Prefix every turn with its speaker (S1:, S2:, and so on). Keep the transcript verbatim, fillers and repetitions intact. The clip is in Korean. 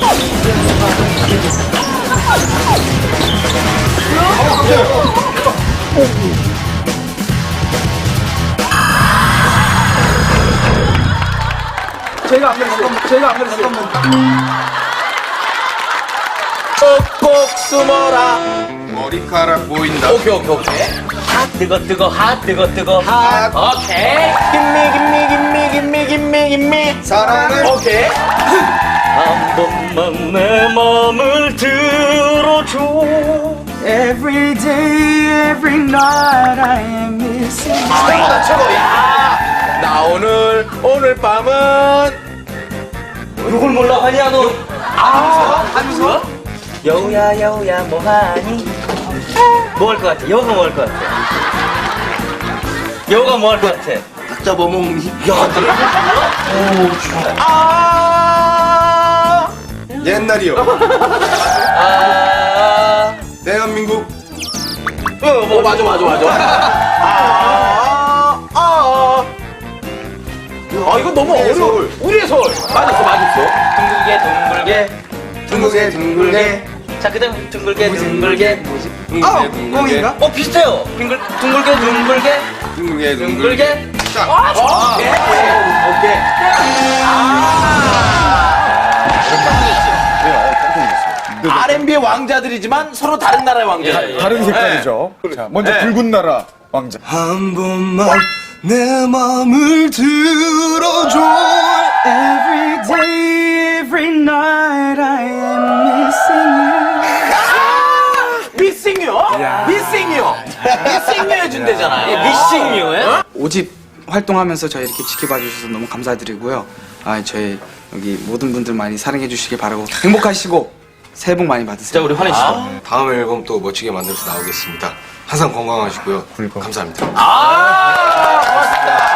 S1: 제가 안 그랬어요. 제가 안 그랬어요.
S2: 꼭꼭 숨어라.
S3: 머리카락 보인다.
S2: 오케이 오케이 오케이. 핫 뜨거 뜨거 핫 뜨거 뜨거
S3: 핫.
S2: 오케이. 김미 김미 김미 김미 김미 김미.
S3: 사랑을.
S2: 오케이. 한 번만 내 맘을 들어줘.
S1: Every day, every night, I am missing.
S2: 최고다 최고. 야. 나 오늘 오늘 밤은 누굴 몰라 하냐 너. 아 하면서 여우야 여우야 뭐하니? 뭐 할 것 같아? 여우가 뭐 할 것 같아? 여우가 뭐 할 것 같아?
S3: 각 잡아먹니?
S2: 야, 그래? 아,
S3: 옛날이요.
S2: 아,
S3: 대한민국.
S2: 어, 뭐, 맞아, 맞아, 맞아. 아, 아, 아, 이거 너무
S3: 우리의
S2: 어려워.
S3: 서울.
S2: 우리의 서울. 맞았어, 맞았어. 둥글게, 둥글게.
S3: 둥글게 둥글게.
S2: 자, 그 다음 둥글게, 둥글게.
S3: 둥글게 둥글게.
S2: 어, 비슷해요. 둥글, 둥글게, 둥글게.
S3: 둥글게 둥글게.
S2: 둥글게.
S3: 자.
S2: 아, 좋아. 오케이. 오케이. 알앤비의 왕자들이지만 서로 다른 나라의 왕자.
S4: 다른 색깔이죠. 자, 먼저
S2: 네.
S4: 붉은 나라 왕자.
S3: 한 번만 내 맘을 들어줘.
S1: Every day, every night, I am missing you.
S2: 미싱 유? 미싱 유. 미싱 유 해준대잖아요. 미싱 유에?
S1: 오집 활동하면서 저희 이렇게 지켜봐 주셔서 너무 감사드리고요. 아, 저희 여기 모든 분들 많이 사랑해 주시길 바라고 행복하시고 새해 복 많이
S2: 자,
S1: 받으세요.
S2: 우리 환희 씨도.
S3: 다음 앨범 또 멋지게 만들어서 나오겠습니다. 항상 건강하시고요. 감사합니다.
S2: 아, 고맙습니다.